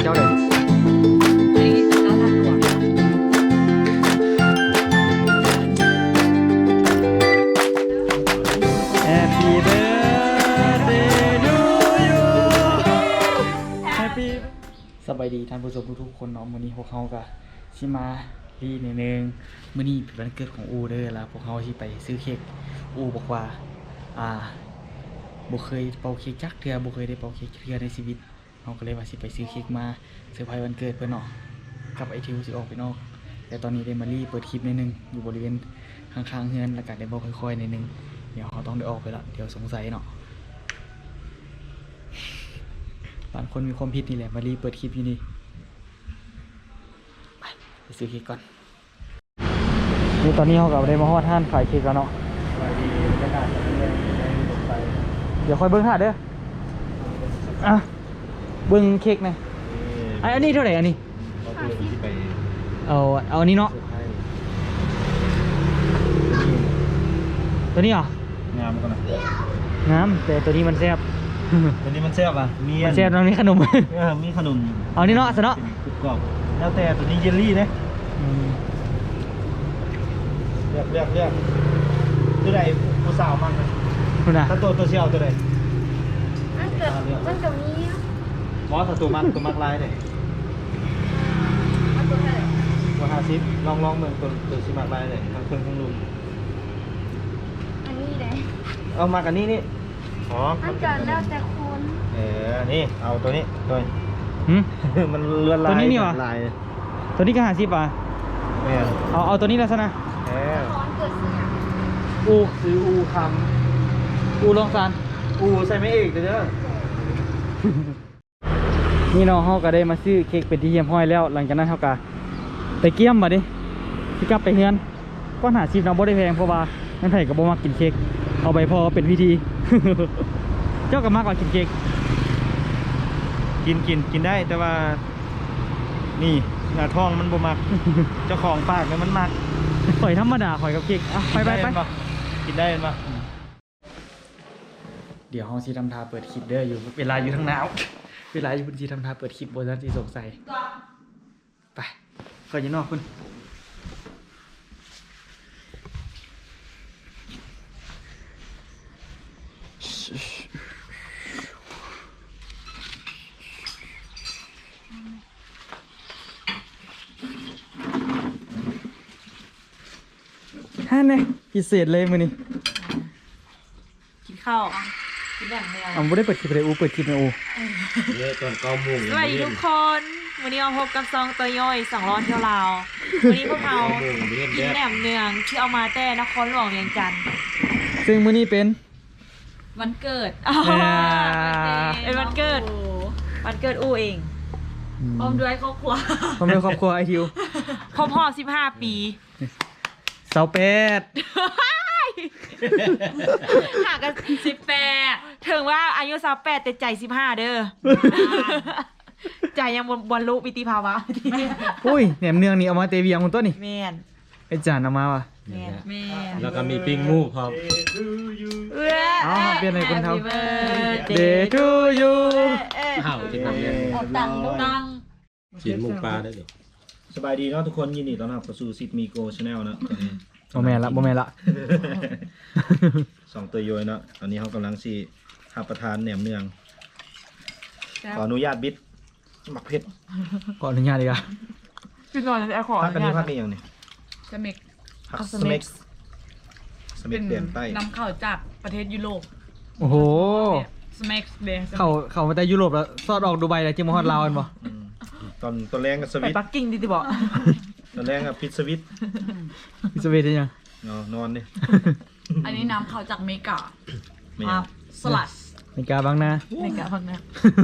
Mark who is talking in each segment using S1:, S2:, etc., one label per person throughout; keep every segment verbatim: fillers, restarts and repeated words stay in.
S1: เจ้าเลยสบายดีท่านผู้ชมทุกๆคนเนาะมื้อนี้พวกเขาก็สิมาลีนิดนึงมื้อนี้เป็นวันเกิดของอูเด้อแล้วพวกเขาสิไปซื้อเค้กอูบอกว่าอ่าบ่เคยเป่าเค้กจักเทื่อบ่เคยได้เป่าเค้กจักเทื่อในชีวิตเฮาก็เลยว่าสิไปซื้อเค้กมาเซอร์ไพรส์วันเกิดเพิ่นเนาะกับไอทิวสิออกไปนอกแต่ตอนนี้ได้มาลีเปิดคลิปนิดนึงอยู่บริเวณข้างๆเฮือนแล้วก็ได้บอกค่อยๆนิดนึงเดี๋ยวเขาต้องได้ออกไปละเดี๋ยวสงสัยเนาะบางคนมีความผิดนี่แหละมารีเปิดคลิปอยู่นี่ไปไปซื้อเค้กก่อนนี่ตอนนี้เขากับได้มาฮอดห้านขายเค้กแล้วเนาะเดี๋ยวค่อยเบิ้งหาเด้ออ่ะเบิ้งเค้กหน่อยไอ้อันนี้เท่าไหร่อันนี้เอาเอาอันนี้เนาะตัวนี้เหรองามก่อนนะงามแต่ตัวนี้มันแซ่บ
S2: ตัวนี้มันแซ่บอ่ะมี
S1: มันแซ่บตรงนี้ขนม
S2: เออมีขนม
S1: เอานี่เนาะซะเนาะ
S2: กรอบแล้วแต่ตัวนี้เยลลี่นะเลือกเลือกเลือกตัวใดผู้สาวมันนะถ้าตัวตัวเชี่ยวตัวใด
S3: มันเกิดมันกับนี้
S2: มอสตัวมันตัวมักลายเลย
S3: มันตัวเท่าไหร่
S2: ตัวห้าสิบลองลองเหมือนตัวตัวชิมักลายเลยทั้งเครื่องทั้งลุม
S3: อันนี้เลย
S2: เอามากันนี่นี่อ๋อ
S3: มันเกิดแล้วแต่คน
S2: เออนี่เอาตัวนี้ตัวนี้มันเลือนลาย
S1: ตัวนี้นี่วะ
S2: ลาย
S1: ตัวนี้ก็ห้าสิบอ่ะเอาเอาตัวนี้แล้วซะนะ
S2: เออ
S3: เกิดเสีย
S1: อูซื้ออูคำอูลองซาน
S2: อูใส่ไม่เอกเด้อ
S1: นี่น้องเขาก็ได้มาซื้อเค้กเป็นที่เยี่ยมห้อยแล้วหลังจากนั้นเขาก็ไปเกี่ยมมาดิที่กลับไปเฮือนก็หาชิปน้ำบ่ได้แพงเพราะว่านั่นไผ่กับบ่มากินเค้กเอาไปพอเป็นพิธี เจ้าก็มากกว่ากินเค้ก
S2: กินกินกินได้แต่ว่านี่หน้าท้องมันบ่มัก เจ้าของปากเนี่ยมันมัก
S1: ข่อยธรรมดาข่อยกับเค้กไปไปไป
S2: กินได้ปะ
S1: เดี๋ยวห้องซีทำทาเปิดคลิปเด้ออยู่เวลาอยู่ทางหนาวเวลาอยู่บนซีทำทาเปิดคลิปบนนั้นซีสงสัยไปข่อยอยู่นอกคุณฮ่าเนี่ยพิเศษเลยมื้อนี้
S3: กินข้าวกินแบ่งแมว
S1: อ๋อไม่ได้เปิดคลิปเลยอูเปิดคลิปนะอู
S2: เยอะตอนเก้าโมง
S3: สวัสดีทุกคนวันนี้เราพบกับซองตัวย่อยสองร้อนเที่ยวลาววันนี้พวกเรากินแหนมเนืองที่เอามาแต่นครหลวงเวียงจันทร์
S1: ซึ่งมื้อนี้เป็น
S3: วันเกิดเป็นวันเกิดวันเกิดอูเองพร้อมด้วยครอบครัว
S1: พร้อมด้วยครอบครัวไอทิว
S3: ครบรอบสิบห้าปี
S1: สาวเป็ด
S3: ห่างกันสิบแปดถึงว่าอายุสาวแปดแต่ใจสิบห้าเด้อใจยังบรรลุปิติภาวะ
S1: อุ้ยแหนมเนืองนี่เอามาเตวียงคนต้นนี่
S3: แมน
S1: ไอจานเอามาว่ะ
S3: แมนแมน
S2: แล้วก็มีปิ้งมูกครับ
S1: อ๋อเปลี่ยนอะไรคนทำ Day to you
S2: อ้าวกินน้ำเย็น
S3: ตังตัง
S2: ฉีดมูกปลาได้ดิสบายดีเนาะทุกคนยินดีต้อนรับเข้าสู่ซิดมีโกชาแนลนะ
S1: โมแมนละโมแมนละ
S2: สองตัวโยยเนาะตอนนี้เขากำลังสิหาประทานแหนมเนืองขออนุญาตบิดหมักเผ็ด
S1: ขออนุญาตดีกว่า
S3: พี่นอนจะขอ
S2: พักกันนี้พักนี้ยังนี่
S3: สเม็ก
S2: พักสเม็กสเม็กเปลี่ยนใต้
S3: นำเข้าจากประเทศยุโรป
S1: โอ้โห
S3: สเม็กเดย์
S1: เขาเขามาแต่ยุโรปแล้วซอดออกดูไบแล้วจิมฮอดลาวกันบ่
S2: ตอนตอนแรงกับสวิต
S3: ปักกิ่งดิติบอก
S2: ตอนแรงกับพิซสวิต
S1: พิซสวิตได้ยัง
S2: นอนดิ
S3: อันนี้น้ำเขาจากเมกาสลัด
S1: เมกาบางนา
S3: เมกาบางนา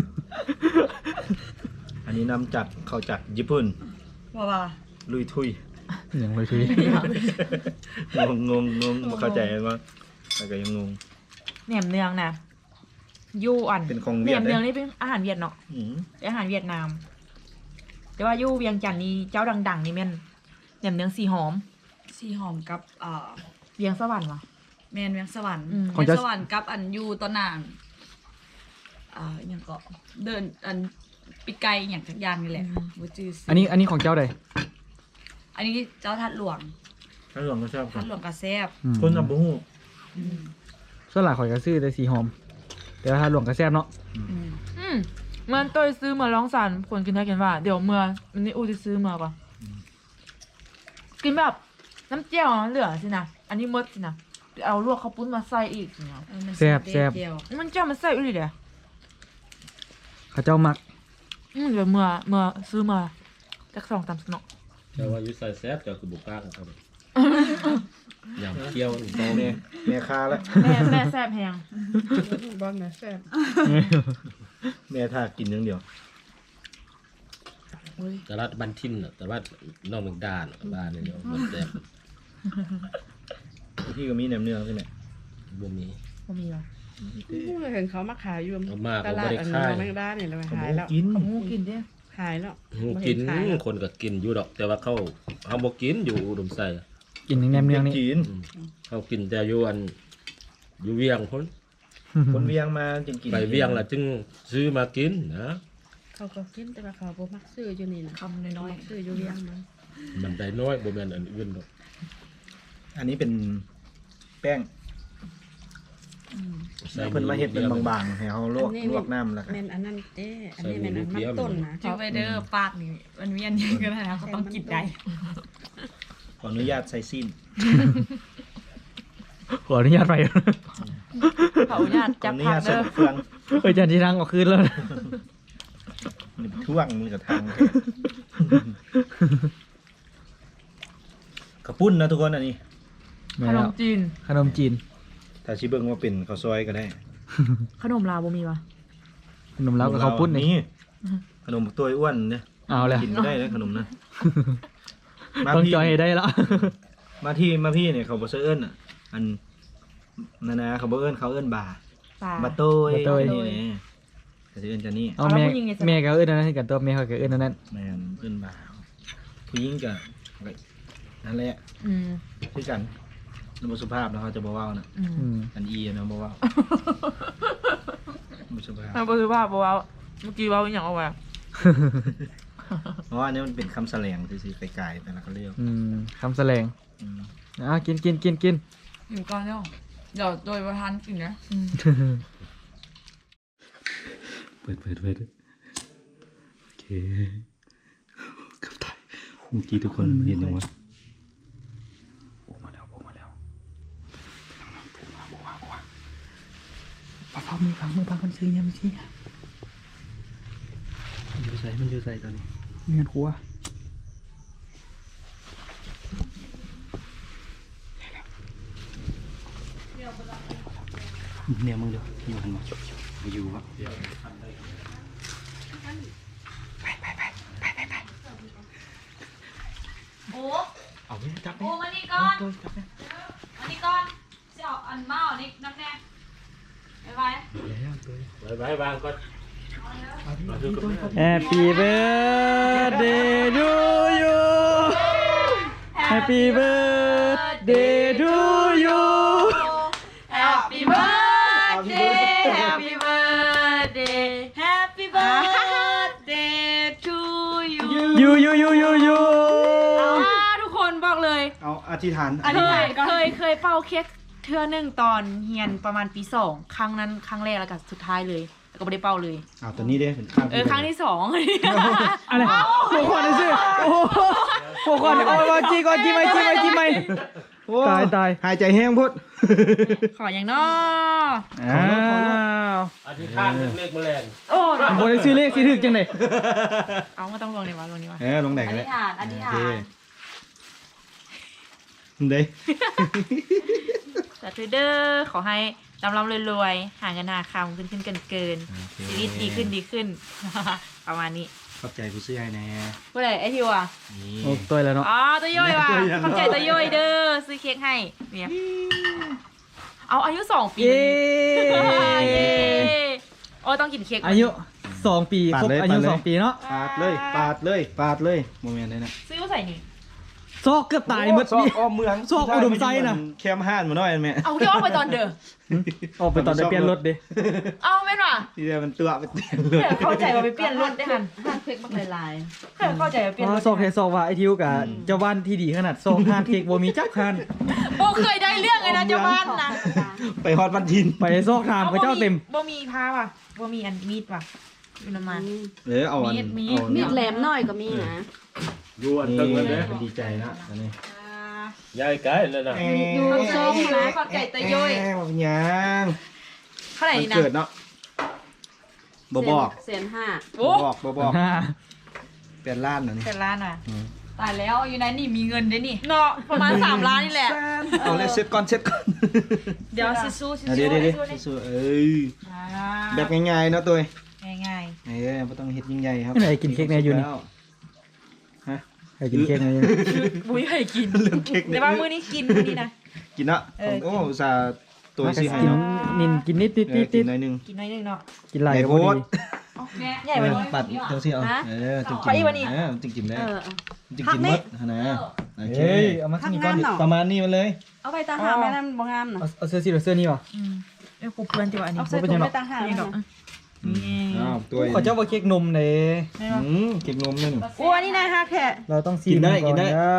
S2: อันนี้น้ำจากเขาจากญี่ปุ่น
S3: ว่าว่า
S2: ลุยทุย
S1: อย่างลุยทุย
S2: งงงงงมาเข้าใจว่าแต่ก็ยังงง
S3: แหนมเนืองนะยูอ่อน
S2: เป็นของ
S3: แหนมเนืองนี่เป็นอาหารเวียดเนาะเป็นอาหารเวียดนามแต่ว่ายูเวียงจันทร์นี่เจ้าดังๆนี่แม่นแหนมเนืองสีหอม
S4: สีหอมกับเอ่อ
S3: เวียงสวรรค์วะ
S4: แมนเวียงสวรรค์
S1: เวีย
S4: งสวรรค์กับอันยูตอนนางอ่าอย่างก็เดินอันปีปีกไก่อย่างทุกอย่างนี่แหละบ่จื้อซื้
S1: อันนี้อันนี้ของเจ้าใด
S4: อันนี้เจ้าทัดหลวง
S2: ถ้าหลวงก็ชอบ
S4: ทัดหลวงกระแซ่บ
S1: อืม
S2: คนกับบุ้ง
S4: อืม
S1: ส่วนหลายข่อยก็ซื้อแต่สีหอม แต่ว่าถ้าหลวงก็แซ่บเนาะ
S4: อืม
S3: อืมเมื่อตัวซื้อมาลองสันคนกินได้กินว่า เดี๋ยวเมื่อวันนี้อูจะซื้อมาปะกินแบบน้ำเจียวเหลือสินะอันนี้มดสินะเอาลวกข้าวปุ้นมาใส่อีกสินะ
S4: เออมัน
S1: แซ่บ
S4: เด็ด
S1: แซ่บ
S4: เดียว
S3: มันเจ้ามันใส่อีกเลยเดี๋ยว
S1: เขาเจ้ามัก
S3: อืมเดี๋ยวเมื่อเมื่อซื้อมาจากสองสามสนอ
S5: แต่ว่าอยุใส่แซ่บจะคือบุกกล้าของเขาเลยยำเคี่ยวอีก
S2: แม่เนี่ยแม่คาแล้ว
S3: แม่แม่แซ่บแพง
S6: บ้านไหนแซ่บ
S2: แม่ถ้ากินอย่างเดียว
S5: แต่ละบ้านทิมน่ะแต่ว่าน้องเมืองด้านบ้านนี่เดียวมันแซ่บ
S2: ที่ก็มีแหนมเนืองใช่ไหม
S5: บ่มี
S3: บ่มีวะ
S6: เห็นเขามาขายอยู่
S5: เอามาก
S6: ต
S5: ก็
S6: ลา
S5: บ่
S6: ด
S5: ได้
S6: อันนี้
S5: ขาย
S6: แมงดาเนี่ยเราไป
S2: เขา
S6: หาย
S2: บ
S6: แล้ว
S2: กิน
S3: เอาหมูกินดิ
S6: หายแล้ว
S5: หู
S6: บ่
S5: กิ
S6: เห็
S5: น
S6: ขายแล้ว
S5: คนก็กินอยู่ดอก แต่ว่าเขาเขาบ่กินอยู่อุดมไซ
S1: กินแหนมเนืองนี่
S2: กิน
S5: อืมเขากินแต่อยู่อันอยู่เวียงพ้น
S2: คนเวียงมาจึงกิน
S5: ไปเวียงแล้วจึงซื้อมากินนะ
S6: เขาก็กินแต่ว่าเขาบ่มักซื้ออยู่นี่นะ
S4: คำน้อย
S6: มักซื้ออยู่เวียงมัน
S5: มันได้น้อยบ่แม่นอันอื่นดอก
S2: อันนี้เป็นแป้ง
S4: ๆอืม
S5: ใส่
S2: เพิ่นมาเฮ็ดเป็นบางๆให้เขาลวกลวกน้ำแล้วก็
S6: แม่นอันนั้นเด้อันนี้แม่นอันมันต้นนะ
S4: จื้อไวเดอร์ปากนี่มันเวียนเยอะกันนะเขาต้องกินได้
S2: ขออนุญาตใส่สิ้น
S1: ขออนุญาตไป
S3: เขาอนุญาต
S2: ขอ
S3: จับ
S2: อนุ
S3: ผั
S2: ญาก ต
S3: เด้
S2: ใส่
S3: อ
S2: เฟือง
S1: เอ้ยจันที่รังออกคืนแล้วนะ
S2: นี่ท่วงมือกับทางกระปุ้นนะทุกคนอันนี้
S1: แม่
S3: ขน
S1: แล้ว
S3: มจีน
S1: ขนมจีน
S2: ถ้าชิเบิ้งว่าเป็นข้าวซอยก็ได้
S3: ขนมลาวบ่มีวะ
S1: ขนมเล้ากับข้าวปุ้นนี่
S2: ขนมตัวอ้วนเนี่ย
S1: เอาเลย
S2: กินไม่ได้นะขนมนั้นมา
S1: ต้อง
S2: พี่
S1: จอยให้ได้แล้ว
S2: มาที่มาพี่เนี่ยเขาบอกเอิ้นอ่ะ อันนานาเขาบอกเอิ้นเขาเอิ้นบา
S3: ปลา
S2: บาโต้ย
S1: บาโต้ย
S2: นี่เนี่ยแต่จะเอิ้นจะนี่
S1: เอา
S3: เอาแล้ว
S1: แม่
S3: ผู้หญิงไงจ๊ะ
S1: แม่ก็เอื้อนอันนั้นให้กันตัวแม่เขาก็เอื้อนอันนั้น
S2: แม่นเอิ้นบาผู้หญิงกับนั่นแหละ
S3: อืม
S2: คือกันนบสุภาพแล้วเขาจะบอกว่านะ
S3: อืม
S1: อืม
S2: อันอีนะบอกว่าบสุภาพ
S3: ทางปัจจุบันบอกว่าเมื่อกี้เว่าอหย่างเอาไว้
S2: เพราะว่าอันนี้มันเป็นคำแสลงคือๆไกลๆแต่ละเขาเรียก
S1: อืมคำแสลง
S2: อืม
S1: อ่ะกินกินกินกิน
S4: อยู่ก่อนเนาะเดี๋ยวโดยประธานกินนะ
S3: อืม
S5: เปิดเปิดเปิดโอเคกับถ่ายเมื่อกี้ทุกคนเห็นยังวะ
S1: โอ้มาแล้วโอ้มาแล้วปะพังมือพังมือพังมันซื้อยังไม่ซื้อ
S2: มันอยู่ใส่มันอยู่ใส่ตอนนี้
S1: เงินครัว
S2: เนี่ยมึงเดี๋ยวอยู่หันมามาอยู่วะ
S3: โอ้
S2: เอาไปจับไป
S3: โอ้มานี่ก่อนมานี่ก่อนเสี่ยวอันเมานี่น้ำแน่ไปไป
S2: แล้วตัว
S5: บายบายบางก็
S1: Happy birthday to you Happy birthday to you
S3: Happy birthday Happy birthday Happy birthday to you
S1: you you you you you
S3: อ่าทุกคนบอกเลย
S2: เอาอธิษฐาน
S3: เคยเคยเคยเป่าเค้กเทื่อหนึ่งตอนเฮียนประมาณปีสองครั้งนั้นครั้งแรกแล้วก็สุดท้ายเลยแล้วก็ไม่ได้เป่าเลย
S2: เอาตัวนี้เด้เป็นข้าง
S3: เออครั้งที่สอง
S1: อะไรหัวขวานสิโอ้โหหัวขวานโอ้ยจีก่อนจีไหมจีไหมจีไหม
S2: โอ้
S1: ตายตาย
S2: หายใจแห้งพุด
S3: ขออย่างน้อ
S1: อ้าว
S5: อธิษฐานเรื่องเลขแมลง
S3: โอ้
S1: โบได้ซื้อเลขสิถึกจังได๋
S3: เอามาต้องลงในวะลงในวะ
S2: เออลงไหน
S3: อ
S2: กัน
S3: ธิ
S2: เลย
S3: ษฐานอธิษฐา
S2: โอน เคเด้
S3: แต่ทูเดอร์ขอให้ร่ำร่ำรวยๆหาเงินหาคำขึ้นขึ้นเกินเกินชีวิตดีขึ้นดีขึ้น ประมาณนี้
S2: ขอบใจผู้ซื้อให้แน่
S3: เมื่อไหร่ไอทิวอ่ะ
S2: นี่
S1: โอ้ตัวแล้วเนาะ
S3: อ๋อตัวย่อยว่ะ
S2: ตัวย่อย
S3: ขอบใจตัวย่อยเด้อซื้อเค้กให้เนี่ยเอาอายุสองปี
S1: เย้
S3: เย้โอ้ต้องกินเค้ก
S1: อายุสองปีครบอายุสองปีเนาะ
S2: ปาดเลยปาดเลยปาดเลยโมเมนต์เลยนะ
S3: ซื้อมาใส่นี่
S2: ซอกเกือบตายหมด
S5: ซอก
S2: นี่
S5: อ้อมเมือง
S2: ซอกอุดมไซน่ะ
S5: แคมห้านมาหน่อยแม่
S3: เอาที่ออกไปตอนเด้อ
S2: ออกไปตอนได้เปลี่ยนรถดิ
S3: เอาแม่นว่ะ
S5: ที่เดียวมันตัวไปเตียนเล
S3: เพื่
S5: ย
S3: อเข้าใจว่าไปเปลี่ยนรถได้หัน
S6: ห้างเค้กบักลาย
S3: เพื่อเข้าใจว่าเปลี่ยน
S2: อ๋
S3: ร
S2: อ
S3: ถ
S2: ซอกเทซอกว่าไอ้ทิวกับเจ้าบ้านที่ดีขนาดซอกห้านเค้กบ่มีจักคัน
S3: โบเคยได้เรื่องเลยนะเจ้าบ้านนะ
S5: ไปฮอดวันทิน
S2: ไปซอกทามกับเจ้าเต็ม
S3: บ่มีพาว่ะบ่มีอันมีดว่ะอยู่น้ำมัน
S5: เออเอาอัน
S3: มีดมีด
S5: เอา
S6: มีดแหลมน้อยก็มีนะ
S5: ยวนตึงเลยเด้อดีใจนะอันนี้
S7: ยายไกลเลยนะ
S6: อยู่ซองนะ
S3: เข้าใจตะย้อย
S5: แอบยัง
S3: เท่าไหร่
S5: มัน
S3: นี่นะ
S5: เกิดเนาะบ่บอก
S6: แสนห้า
S3: โอ้
S5: บ่บอกบ่บอกเปลี่ยนล้านนะนี่
S3: เป็นล้านอ่ะ
S4: ตายแล้วอยู่ไหนนี่มีเงินด้วยนี่
S3: เนาะประมาณสามล้านนี่แหละ
S5: เอาเลยเซ็ตก่อนเซ็ตก่อน
S3: เดี๋ยวซิซูซิ
S5: เอา
S3: ซู
S5: เดี๋ยวเดี๋ยว
S3: ซิ
S5: เดี๋ยว
S3: ซู
S5: สู้ๆเอ้ยแบบง่ายๆเนาะตัว
S3: ง่าย
S5: เอ้ยบ่ต้องเฮ็ดยิ่งใหญ่ครับ
S2: ไหนกินเค้กแน่อยู่นี่
S5: ฮะ
S2: ใครกินเค้กไหนอยู่
S3: ๆบุ้ยให้กิน
S5: เรื่องเค้ก
S3: แต่
S5: เนี่ย
S3: ว่ามื้อนี้กินมื้อนี้นะ
S5: กินเนาะ
S3: เออ
S5: โอ้อุตส่าห์ตัวซื้อให้
S2: กิน
S5: เนาะ
S2: นินกินนิดนิด
S5: เอ
S2: นิ
S5: อ
S2: ด
S5: กิ
S2: นิ
S5: น
S2: ด
S5: หน่อยหนึง
S3: กินน้อยหนึงเนาะ
S2: กินไหลาย
S5: ใหญ่
S2: ก็
S5: โพ
S2: บ่
S5: ด
S2: ดี
S3: ใหญ่กว่านี้
S5: ปัดเจ้าสิเอาเออจึง
S3: ข
S5: กิ
S3: อน อีกวันนี้
S5: เออจึงกินได้
S6: เออ
S5: จึงกินหมดนะโอเค
S2: เฮ้ยเอามาที่นี่ก่อนดิ
S5: ประมาณนี้มันเลย
S6: เอาไปตาหาแม่นั่นบ่งามน่ะ
S2: เอาเอาเสื้อสีหรือเสื้อนี่วะ
S3: อืมเอ้ยกูเพื่อนจิว่าอันนี้
S6: เอาใส่ถุงไปตาหา
S3: นี่
S6: แม่
S3: ดอก
S6: นั่น
S3: นี่
S5: อ้าวตัว
S2: ขอเจ้าว่าเค้กนมเด้
S5: อืมเก็บนมนี่หนู
S3: โอ้อันนี้นะฮะแค่
S2: เราต้องซี
S5: กินได้
S2: ก่อ
S5: กินได้
S2: ได้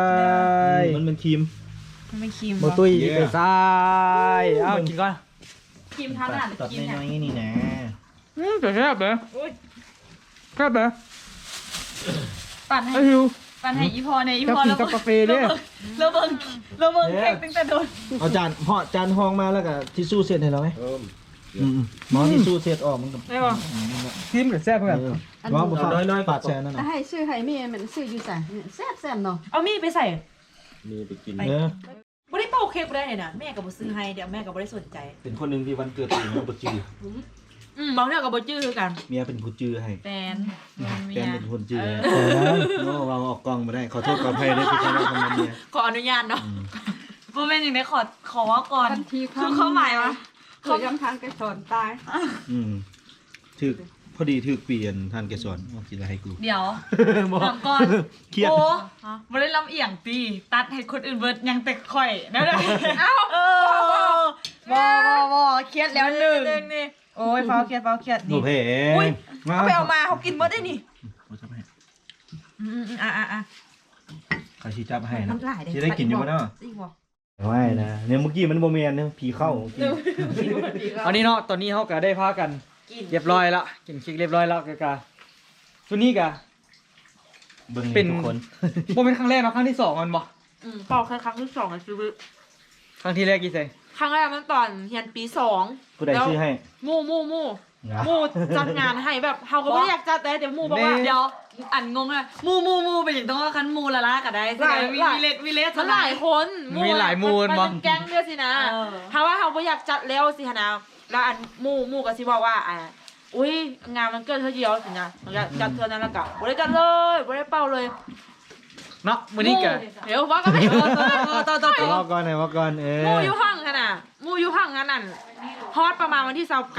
S5: มันเป็นครีม
S3: มันไม่ครีม
S2: บ่ตุ้ย
S5: เย้
S2: ไปซ้ายเอ้ากินก่อน
S3: ครีมทานอาหาร
S5: ตัด
S3: กิน
S5: น้
S3: เนี่ย
S5: อยๆนี่นะ
S2: อืมแต่แซ่บเด้อ
S3: โอ้ย
S2: แซ่บเด้อ
S4: ปั่นให้
S2: ไอ้หิว
S4: ปั่นให้อีพอในอี
S2: เจ้า
S4: พอ
S2: กิน
S4: แล้ว
S2: กับกาแฟเด้อ
S4: แล้วเบิ่งแล้วเบิ่งเค้กตั้งแต่โดน
S5: เอาจานห่อจานห้องมาแล้วก็ทิชชู่เสร็จให้เราไหม
S7: เอิ่ม
S5: อืมๆหมอทิชชู่เสร็จออกมันกับ
S3: ได้ป่ะ
S2: ซิมหรือแซ่บเพื่อน
S5: เออว่าบ่ฝากฝากแชร์นั่น
S6: แต่
S5: น่ะ
S6: ให้ซื้อให้แม่มันซื้ออยู่จ้ะเนี่ยแซ่บๆเนาะ
S3: เอามีดไปใส่
S7: มีไปกิน
S5: เออ
S3: บ่ได้เป่าเค้กบ่ได้เลยนะแม่ก็บ่ซื้อให้เดี๋ยวแม่ก็บ่ได้สนใจ
S5: เป็นคนหนึงที่วันเกิดตัวเองบ่จื้อ
S3: อืมบางเรื่องก็บ่จื้อคือกัน
S5: เมียเป็นผู้จื้อให้
S4: แฟนเมี
S5: แฟน
S4: ย
S5: เป็นคนจื้อให้โน้วางออกกล้องบ่ได้ขอโทษขออภัยด้วยที่ทำให้คนนั้นเนี่ย
S3: ขออนุญาตเนาะ
S4: โมเมนต์อย่างนี้ขอขอว่าก่อน
S6: ทันที
S4: คือความหมายวะ
S6: เขาย้ำทางกระสอนตาย
S5: อืมถึกพอดีถึกเปลี่ยนทานแกสอนเอากินอะไรให้กู
S4: เดี๋ยว
S5: บอก
S4: ถามก่อน
S5: เครียด
S4: โอ้ไม่ได้ลำเอียงตีตัดให้คนอื่นเบิดยังแต่ข่อยนะเด้อเอ้าเออบ่บ่บ่เครียดแล้วหนึ่ง
S3: เรื่องนี่โอ้ยเฝ้าเครียดเฝ้าเครียด
S5: หนู
S3: นี่
S5: เพ
S3: อุ้ย
S5: มา
S3: เอาไปเอามาเขากินหมดได้นี่
S5: เอาจับให้
S3: อืมๆอ่ะอ่ะอ่ะ
S5: ใครชี้จับให้นะ
S3: น้ำลายเด้
S5: จะได้กินอยู่บ่เนาะ
S3: สิบ่
S5: ไม่นะเนี่ยเมื่อกี้มันโมเมนเนี่ยผีเข้าเมื่อกี้
S2: อันนี้เนาะตอนนี้เฮาก็ได้พากัน
S3: กิน
S2: เรียบร้อยละกินเค้กเรียบร้อยแล้วก็กะตัวนี้กะ
S5: เบิ่ง
S2: เป็น
S5: ทุกคน
S2: บ่เป็นครั้งแรกเนาะครั้งที่สองมันบ่
S3: อืมเป่าแค่ครั้งที่สองในชีวิต
S2: ครั้งที่แรกกี่ใส่
S3: ครั้งแรกมันตอนเรียนปีสอง
S5: ผู้ใดชื่อให้
S3: มู่มู่มู่
S5: นะ
S3: มู่จัดงานให้แบบเฮาก็ไม่ได้อยากจัดแต่เดี๋ยวมู่บอกว่า
S4: เดี๋ยวอันงงเลยมูมูมูเป็นอย่างต้องว่าคันมูละละก็ได้
S3: หลาย
S4: วิ
S3: หลาย
S4: วิเลตวิเลต
S3: มันหลายคน
S2: มีหลายมูล
S3: มัน
S2: บ่
S3: เป็นแก๊งด้วยสินะ
S4: เออ
S3: ถ้าว่าเขาไม่อยากจัดแล้วสิฮะนะแล้วอันหมู่หมู่ก็สิบอกว่าอ่าอุ้ยงานมันเกิดเธอเดียวสินะอยากจัดเธอนั้นและกะบ่ได้จัดเลยบ่ได้เป่าเลย
S2: เนาะมื้อนี้กะ
S3: เดี๋ยวว่าก็ไม่เออต่อต่อต่อต่อ
S5: ว่าก่อนหน่อยว่าก่อนเออ
S3: หมู่อยู่ห้องขนาดหมู่อยู่ห้องขนาดฮอตประมาณวันที่29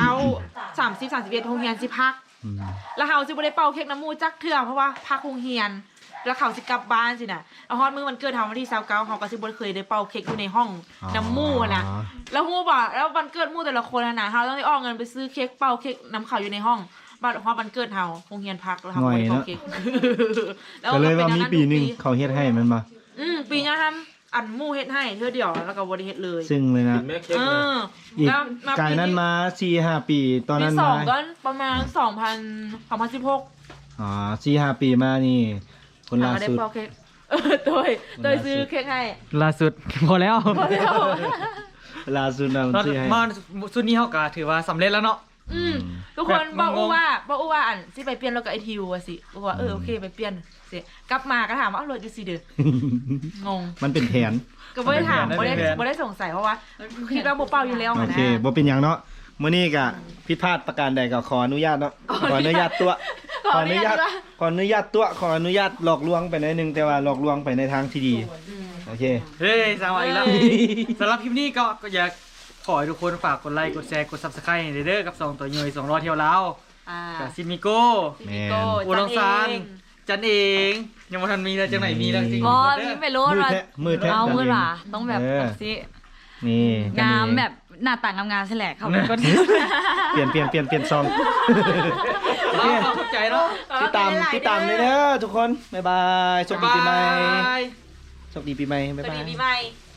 S3: 30 31โรงเรียนสิพัก
S5: อืม
S3: แล้วเขาสิบ่ได้เป่าเค้กน้ำหมู่จักเทื่อเพราะว่าพักโรงเรียน แล้วเขาสิกลับบ้านสินะแล้วฮอตมื้อวันเกิดเขาวันที่29เขาก็สิบ่เคยได้เป่าเค้กอยู่ในห้องน้ำหมู่อะนะ แล้วฮู้บ่แล้ววันเกิดหมู่แต่ละคนอะนะเฮาต้องได้ออกเงินไปซื้อเค้กเป่าเค้กน้ำเขาอยู่ในห้องบัดฮอดวันเกิดเฮาโรงเรียนพักแล้วเฮาบ่ได้เป่าเค้ก
S5: ก็เลยว่ามีปีหนึง
S3: ทุก
S5: เขาเฮ็ดให้มันมา
S3: อืมปีนี้ทำอันหมู่เฮ็ดให้เทื่อเดียวแล้วก็บ่ได้เฮ็ดเลย
S5: ซึ่งเลยนะ
S7: กินแม่เค้ก
S3: เอ
S7: นะ
S3: อ
S5: อีก
S3: แล้วมา
S5: ไก่นั้นมาสี่ห้าปีตอน
S3: ปี
S5: นั้น
S3: สอ
S5: มาง
S3: ก็ประมาณสองพันสองพันสิบหก
S5: อ๋อสี่ห้าปีมานี่ คนล่า
S3: เฮาได้
S5: สุด
S3: เป่าเค้กเออโดยโดยซื้อเค้กให้
S2: ล่าสุด พอแล้ว
S3: พอแล้ว
S5: ล่าสุดนะมัน
S2: ตอน
S5: ซื้อให้
S2: มาสุดนี้เฮาก็ถือว่าสำเร็จแล้วเนาะ
S3: อืม
S5: อืม
S3: ทุกคน
S2: แบบ
S3: บอก
S2: ง
S3: อู
S2: งๆ
S3: ว่าบอกอูว่าอันสิไปเปลี่ยนรถกับไอทิวอะสิบอกว่าเออโอเคไปเปลี่ยนสิกลับมาก็ถามว่าเอารถอยู่สิเด้องง
S5: มันเป็นแผน
S3: ก็ไม่ได้ถาม
S2: ไม่
S3: ไม่
S2: ได้
S3: ได้
S2: แผน
S3: ไม่ได้สงสัยเพราะว่าคิดว่าโบเป่าอยู่แล้ว
S5: โอ
S3: อะนะ
S5: เคบ่เป็นหยังเนาะมื้อนี้ก็ผิดพลาดประการใดก็ขออนุญาตเนาะขออนุญาตตัว
S3: ขออนุญาตว่า
S5: ขออนุญาตตัวขออนุญาตหลอกลวงไปหน่อยหนึงแต่ว่าหลอกลวงไปในทางที่ดีโอเค
S2: เฮ้ยสวัสดีแล้วสำหรับคลิปนี้ก็ก็อยากขอให้ทุกคนฝากกดไลค์กดแชร์กด Subscribe ให้เด้อกับสองตัวย่อยสองรอเที่ยวลาว
S3: อ่า
S2: กับซิมิโก้
S5: แม่น
S3: โก้
S2: อูน้องซาน
S3: เอง
S1: จันเองยังบ่ทันมีแล้วจังไหนมีแล้วจริง
S4: บอมีไปโลด
S2: มือ
S4: ว่า
S2: แทะมือแทะ
S4: เอามือ
S2: จันเอง
S4: หว่าต้องแบบ
S2: เออ
S4: แบบสิ
S2: นี่จัน
S4: งาม
S2: เอง
S4: แบบหน้าต่างงามๆใช่แหละเขาเป็นคน
S2: เปลี่ยนเปลี่ยนเปลี่ยนเปลี่ยนซอง
S1: เอาเข้าใจเนาะ
S2: ติดตามติดตามเลยเด้อทุกคนบ๊ายบายโชคดีปีใหม่
S1: บ๊ายบาย
S2: โชคดีปีใหม่บ๊าย
S4: สวัส
S2: บา
S4: ดี
S2: ย
S4: ปีใหม่